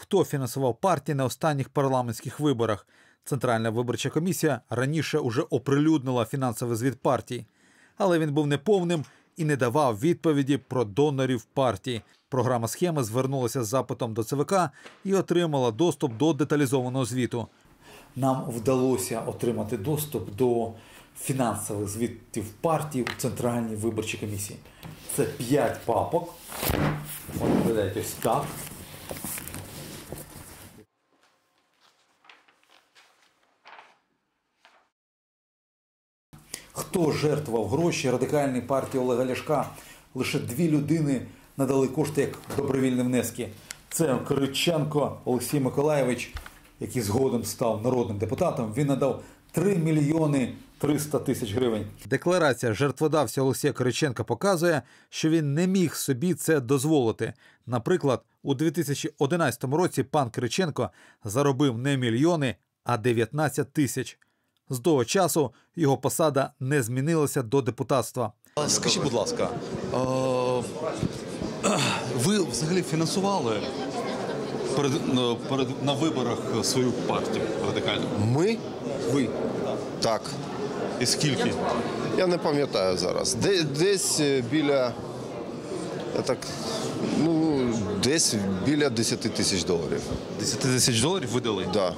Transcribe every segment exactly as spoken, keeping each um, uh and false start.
хто фінансував партії на останніх парламентських виборах. Центральна виборча комісія раніше уже оприлюднила фінансовий звіт партій. Але він був неповним і не давав відповіді про донорів партії. Програма «Схеми» звернулася з запитом до ЦВК і отримала доступ до деталізованого звіту. Нам вдалося отримати доступ до фінансових звітів партій у Центральній виборчій комісії. Це п'ять папок. От виглядають ось так. Хто жертвував гроші Радикальній партії Олега Ляшка? Лише дві людини надали кошти як добровільні внески. Це Кириченко Олексій Миколайович, який згодом став народним депутатом. Він надав три мільйони триста тисяч гривень. Декларація жертводавця Олексія Кириченка показує, що він не міг собі це дозволити. Наприклад, у дві тисячі одинадцятому році пан Кириченко заробив не мільйони, а дев'ятнадцять тисяч. З того часу його посада не змінилася до депутатства. Скажіть, будь ласка, ви взагалі фінансували перед, перед, на виборах свою партію радикальну? Ми? Ви? Так. І скільки? Я не пам'ятаю зараз. Де, десь біля, я так, ну, десь біля десять тисяч доларів. десять тисяч доларів ви дали? Так. Да.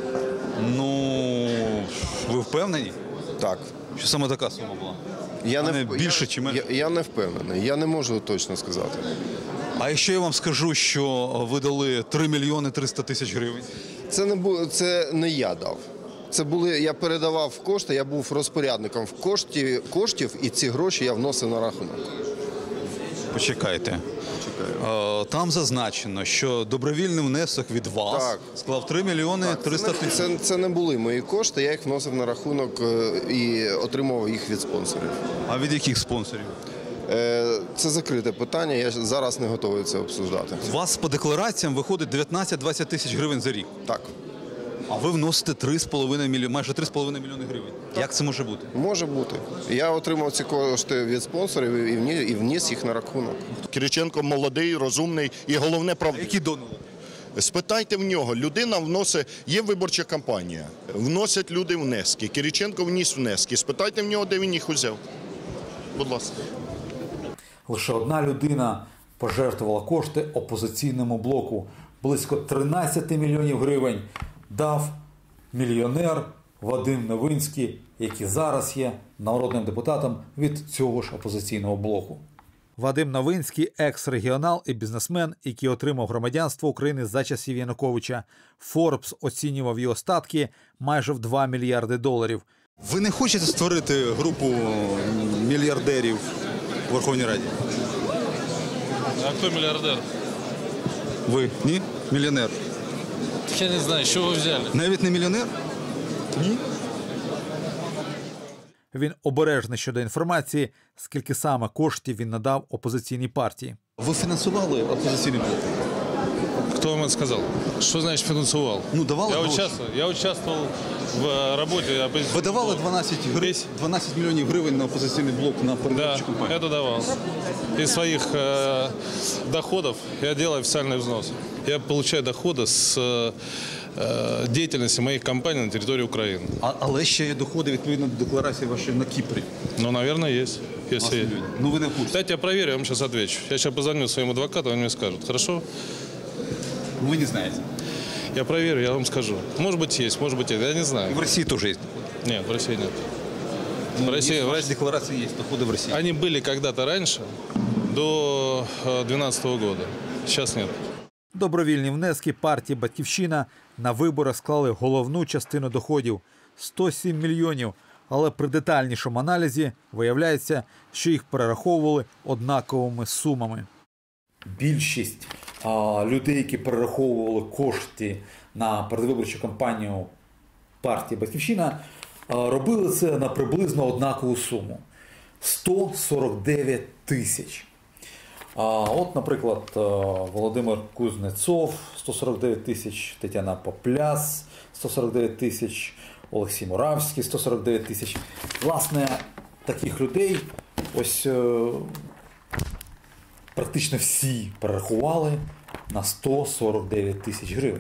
Ну, ви впевнені? Так. Що саме така сума була? Я а не, не більше я, чи менше? Я, я не впевнений, я не можу точно сказати. А якщо я вам скажу, що ви дали три мільйони триста тисяч гривень? Це не, бу, це не я дав. Це були, я передавав кошти, я був розпорядником в кошті, коштів, і ці гроші я вносив на рахунок. Почекайте. Почекаю. Там зазначено, що добровільний внесок від вас так. склав три мільйони триста тисяч. Це, це не були мої кошти, я їх вносив на рахунок і отримував їх від спонсорів. А від яких спонсорів? Це закрите питання, я зараз не готовий це обсуждати. У вас по деклараціям виходить дев'ятнадцять-двадцять тисяч гривень за рік? Так. А ви вносите три з половиною мільйони, майже три з половиною мільйони гривень. Так. Як це може бути? Може бути. Я отримав ці кошти від спонсорів і вніс їх на рахунок. Кириченко молодий, розумний і головне правдивий. Які донори? Спитайте в нього, людина вносить, є виборча кампанія, вносять люди внески, Кириченко вніс внески, спитайте в нього, де він їх узяв. Будь ласка. Лише одна людина пожертвувала кошти опозиційному блоку. Близько тринадцять мільйонів гривень дав мільйонер Вадим Новинський, який зараз є народним депутатом від цього ж опозиційного блоку. Вадим Новинський – екс-регіонал і бізнесмен, який отримав громадянство України за часів Януковича. Форбс оцінював його статки майже в два мільярди доларів. Ви не хочете створити групу мільярдерів у Верховній Раді? А хто мільярдер? Ви? Ні? Мільйонер? Я не знаю, що ви взяли. Навіть не мільйонер? Ні? Він обережний щодо інформації, скільки саме коштів він надав опозиційній партії. Ви фінансували опозиційний блок? Кто вам это сказал? Что значит финансовал? Ну, давали я гроші. участвовал, я участвовал в работе оппозиционного Ви давали блока. дванадцять, гривень, дванадцять мільйонів гривень на опозиційний блок на Да, передвиборчу кампанію? это давал. Из своих э, доходов я делаю официальный взнос. Я получаю доходы с э, деятельности моих компаний на территории Украины. А, але ще є доходи відповідно до декларації вашої на Кіпрі. Ну, наверное, есть. Если... Власне, ну ви не в курсі. Дайте я проверю, я вам сейчас отвечу. Я сейчас позвоню своим адвокату, он мне скажет. Хорошо? Ви не знаєте. Я проверю, я вам скажу. Может быть, есть, может быть, нет. Я не І знаю. в Росії теж є. Нет, в России нет. Ну, в России, є, в в вашій России. декларації є доходи в Росії. Они были когда-то раньше, до две тысячи двенадцатого года. Сейчас нет. Добровільні внески партії «Батьківщина» на виборах склали головну частину доходів – сто сім мільйонів. Але при детальнішому аналізі виявляється, що їх перераховували однаковими сумами. Більшість а, людей, які перераховували кошти на передвиборчу кампанію партії «Батьківщина», а, робили це на приблизно однакову суму – сто сорок дев'ять тисяч. А от, наприклад, Володимир Кузнецов – сто сорок дев'ять тисяч, Тетяна Попляс – сто сорок дев'ять тисяч, Олексій Муравський – сто сорок дев'ять тисяч. Власне, таких людей ось е, практично всі перерахували на сто сорок дев'ять тисяч гривень.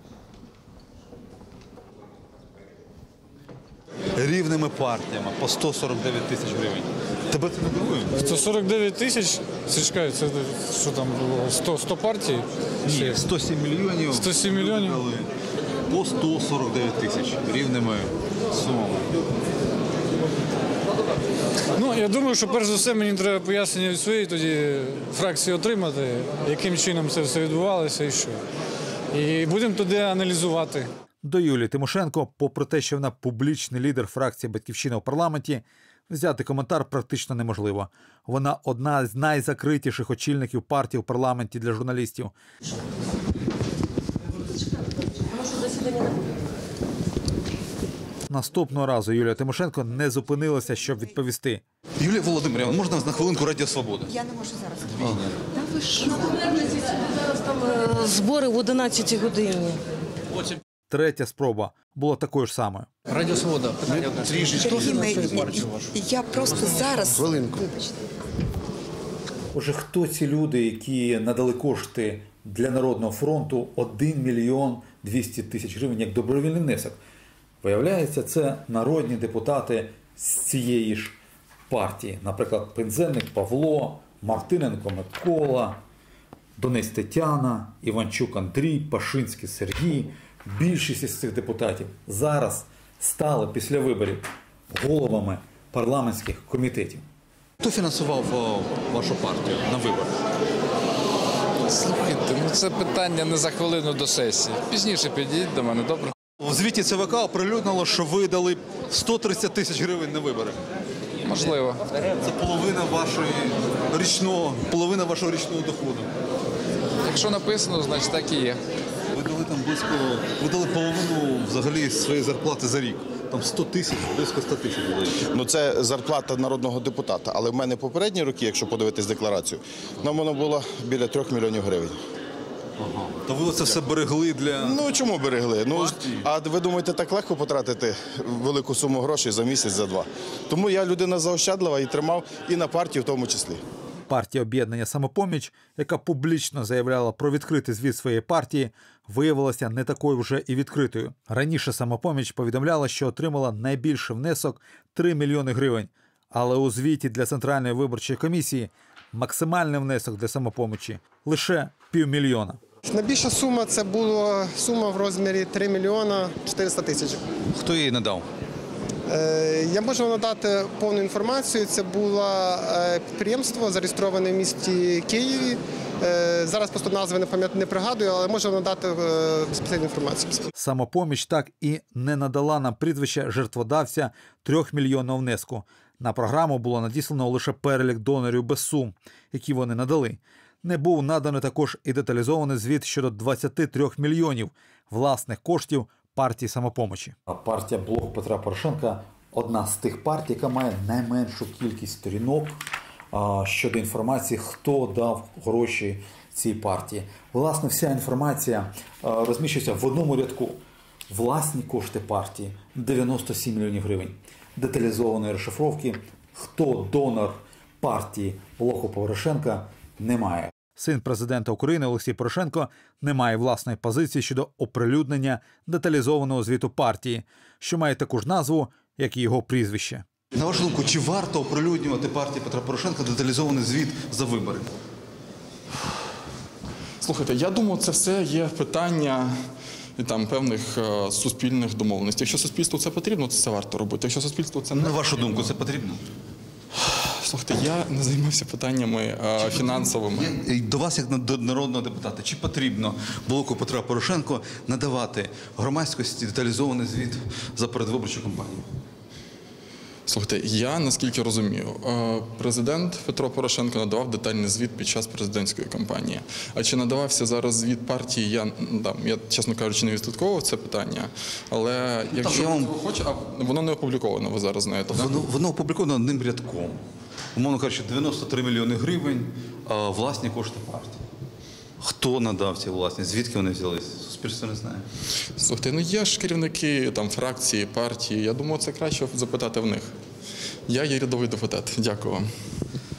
Рівними партіями по сто сорок дев'ять тисяч гривень. Тебе це не дивує? сто сорок дев'ять тисяч, чекай, це що там було, сто, сто партій? Ні, сто сім мільйонів. сто сім мільйонів? Дали по сто сорок дев'ять тисяч рівними сумами. Ну, я думаю, що перш за все мені треба пояснення від своєї тоді фракції отримати, яким чином це все відбувалося і що. І будемо тоді аналізувати. До Юлії Тимошенко, попри те, що вона публічний лідер фракції «Батьківщина» у парламенті, взяти коментар практично неможливо. Вона одна з найзакритіших очільників партії у парламенті для журналістів. Наступного разу Юлія Тимошенко не зупинилася, щоб відповісти. Юлія Володимирівна, можна на хвилинку Радіо Свобода? Я не можу зараз. Та ви що? Зараз там е, збори в одинадцятій годині. Третя спроба була такою ж самою. Радіо Свобода, питання одне. Я просто зараз... Хвилинку. Вибачте. Отже, хто ці люди, які надали кошти для Народного фронту один мільйон двісті тисяч гривень як добровільний внесок? Виявляється, це народні депутати з цієї ж партії. Наприклад, Пинзеник Павло, Мартиненко Микола, Донець Тетяна, Іванчук Андрій, Пашинський Сергій. Більшість із цих депутатів зараз стали після виборів головами парламентських комітетів. Хто фінансував о, вашу партію на виборах? Слухайте, ну це питання не за хвилину до сесії. Пізніше підійдіть до мене, добре? У звіті ЦВК оприлюднило, що ви дали сто тридцять тисяч гривень на вибори. Можливо. Це половина вашої річного, половина вашого річного доходу. Якщо написано, значить так і є. Ви дали там близько, ви дали половину взагалі своєї зарплати за рік. Там сто тисяч, близько сто тисяч дали. Ну це зарплата народного депутата. Але в мене попередні роки, якщо подивитись декларацію, нам воно було біля трьох мільйонів гривень. Ага. То ви оце все берегли для... Ну чому берегли? Ну, а ви думаєте, так легко потратити велику суму грошей за місяць, за два? Тому я людина заощадлива і тримав і на партії в тому числі. Партія об'єднання «Самопоміч», яка публічно заявляла про відкритий звіт своєї партії, виявилася не такою вже і відкритою. Раніше «Самопоміч» повідомляла, що отримала найбільший внесок – три мільйони гривень. Але у звіті для Центральної виборчої комісії максимальний внесок для «Самопомочі» – лише півмільйона. Найбільша сума – це була сума в розмірі три мільйона чотириста тисяч. Хто її надав? Я можу надати повну інформацію. Це було підприємство, зареєстроване в місті Києві. Зараз просто назви не пам'ятаю, не пригадую, але можу надати безпосередню інформацію. «Самопоміч» так і не надала нам прізвище жертводавця трьохмільйонного внеску. На програму було надіслано лише перелік донорів без сум, які вони надали. Не був наданий також і деталізований звіт щодо двадцяти трьох мільйонів власних коштів партії «Самопомочі». Партія «Блок Петра Порошенка» – одна з тих партій, яка має найменшу кількість сторінок щодо інформації, хто дав гроші цій партії. Власне, вся інформація розміщується в одному рядку. Власні кошти партії – дев'яносто сім мільйонів гривень. Деталізованої розшифровки, хто донор партії «Блоку Порошенка» немає. Син президента України Олексій Порошенко не має власної позиції щодо оприлюднення деталізованого звіту партії, що має таку ж назву, як і його прізвище. На вашу думку, чи варто оприлюднювати партії Петра Порошенка деталізований звіт за вибори? Слухайте, я думаю, це все є питання там, певних е, суспільних домовленостей. Якщо суспільству це потрібно, то це варто робити. Якщо суспільству це не На вашу думку, це потрібно? Слухайте, я не займався питаннями е, фінансовими. І до вас, як до народного депутата, чи потрібно блоку Петра Порошенка надавати громадськості деталізований звіт за передвиборчу кампанію? Слухайте, я, наскільки розумію, президент Петро Порошенко надавав детальний звіт під час президентської кампанії. А чи надавався зараз звіт партії, я, да, я чесно кажучи, не відслідковував це питання. Але якщо вам... хоче, а воно не опубліковано, ви зараз знаєте. Воно, воно опубліковано одним рядком. Умовно кажучи, дев'яносто три мільйони гривень а, власні кошти партії. Хто надав ці власні? Звідки вони взялися? Суспільство не знає. Слухайте, ну є ж керівники там, фракції, партії. Я думаю, це краще запитати в них. Я є рядовий депутат. Дякую вам.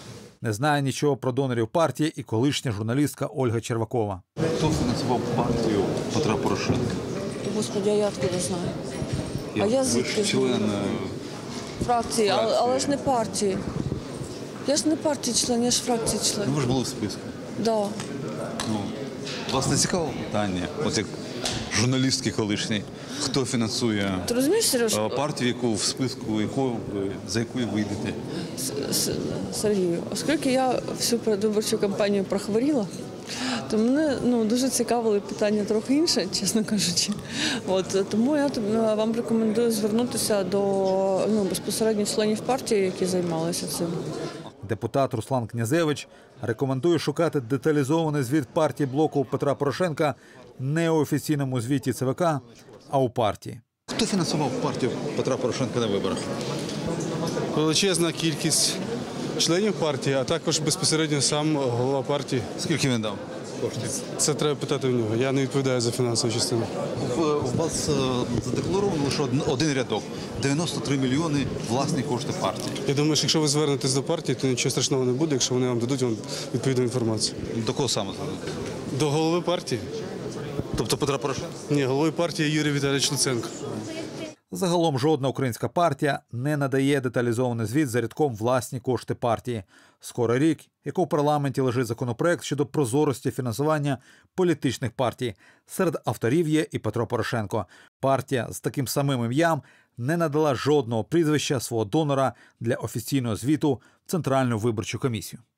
Не знає нічого про донорів партії і колишня журналістка Ольга Червакова. Хто фінансував партію Петра Порошенка? Господи, а я откуда знаю? Я, а я ви звідки ж член знаю? е, Фракції, але, фракції. але ж не партії. Я ж не партії член, я ж фракції член. Ну, ви ж були в списку. Да. Ну, вас не цікавило питання, от як журналістки колишній, хто фінансує Ти розумієш, Сереж, е, партію, яку в списку, яку ви, за якою ви йдете? С- С- Сергію, оскільки я всю передвиборчу кампанію прохворіла, то мене ну, дуже цікавили питання трохи інше, чесно кажучи. От, тому я тобі- вам рекомендую звернутися до ну, безпосередньо членів партії, які займалися цим. Депутат Руслан Князевич рекомендує шукати деталізований звіт партії блоку Петра Порошенка не у офіційному звіті ЦВК, а у партії. Хто фінансував партію Петра Порошенка на виборах? Величезна кількість членів партії, а також безпосередньо сам голова партії. Скільки він дав коштів? Це треба питати в нього. Я не відповідаю за фінансову частину. В, в вас е, задекларовано лише один, один рядок. дев'яносто три мільйони власні кошти партії. Я думаю, що якщо ви звернетесь до партії, то нічого страшного не буде, якщо вони вам дадуть вам відповідну інформацію. До кого саме зададуть? До голови партії? Тобто Петра Порошенка? Ні, головою партії Юрій Віталійович Луценко. Загалом жодна українська партія не надає деталізований звіт за рядком власні кошти партії. Скоро рік, як у парламенті лежить законопроект щодо прозорості фінансування політичних партій. Серед авторів є і Петро Порошенко. Партія з таким самим ім'ям не надала жодного прізвища свого донора для офіційного звіту в Центральну виборчу комісію.